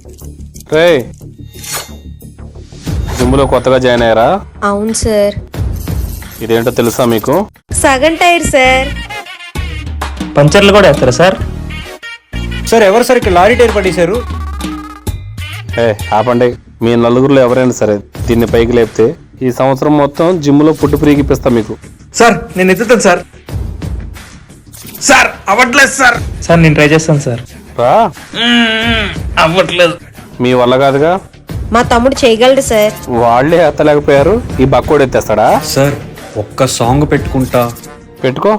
రే జిమ్లో కొత్తగా జాయిన్ అయ్యారా? అవును సార్. ఇదేంటో తెలుసా మీకు? సగం టైర్ సార్. పంచర్లు కూడా వేస్తారా సార్? సార్ ఎవరు సార్ ఇక్కడ లారీ టైర్ పడేశారు? ఆపండి. మీ నలుగురిలో ఎవరైనా సరే దీన్ని పైకి లేపితే ఈ సంవత్సరం మొత్తం జిమ్లో పుట్టు ఫ్రీకిప్పిస్తా మీకు. సార్ నేను ఎత్తుతాను సార్. సార్ అవ్వట్లేదు సార్. సార్ నేను ట్రై చేస్తాను సార్. రా. అవ్వట్లేదు. మీ వల్ల కాదుగా. మా తమ్ముడు చేయగలడు సార్. వాళ్ళే ఎత్తలేకపోయారు, ఈ బక్కోడు ఎత్తేస్తాడా? సార్ ఒక్క సాంగ్ పెట్టుకుంటా. పెట్టుకో.